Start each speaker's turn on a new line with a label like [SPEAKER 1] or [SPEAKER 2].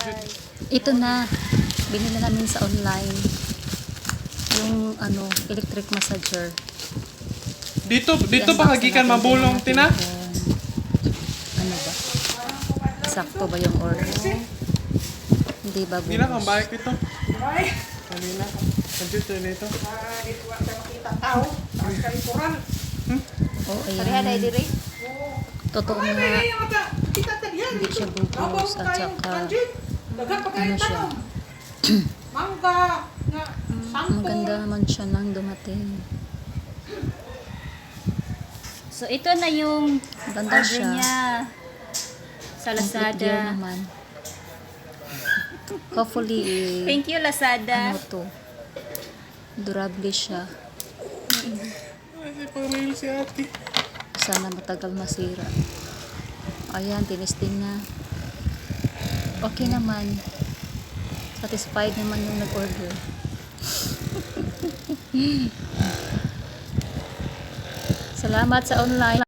[SPEAKER 1] Ito na. Binili namin sa online. Yung electric massager.
[SPEAKER 2] Dito
[SPEAKER 1] I-unbox
[SPEAKER 2] ba hagikan
[SPEAKER 1] natin
[SPEAKER 2] mabulong,
[SPEAKER 1] natin
[SPEAKER 2] Tina?
[SPEAKER 1] kung ano ba? Sakto ba yung order? Hindi ba
[SPEAKER 2] Hindi na kang
[SPEAKER 1] bulos?
[SPEAKER 2] balik ito. Kanina. Nandito dito.
[SPEAKER 1] Oo, ayan. Totoo nga. Hindi siya bulos at saka ano siya. Maganda naman siya nang dumating.
[SPEAKER 3] So, ito na yung
[SPEAKER 1] Ganda
[SPEAKER 3] order
[SPEAKER 1] siya.
[SPEAKER 3] niya sa
[SPEAKER 1] Complete gear
[SPEAKER 3] Lazada.
[SPEAKER 1] naman. Hopefully,
[SPEAKER 3] Thank you, Lazada.
[SPEAKER 1] ano to, durable siya.
[SPEAKER 2] Kasi pang-mail si ate.
[SPEAKER 1] Sana matagal masira. Ayan, tinisting na. Okay naman. Satisfied naman yung nag-order. Salamat sa online.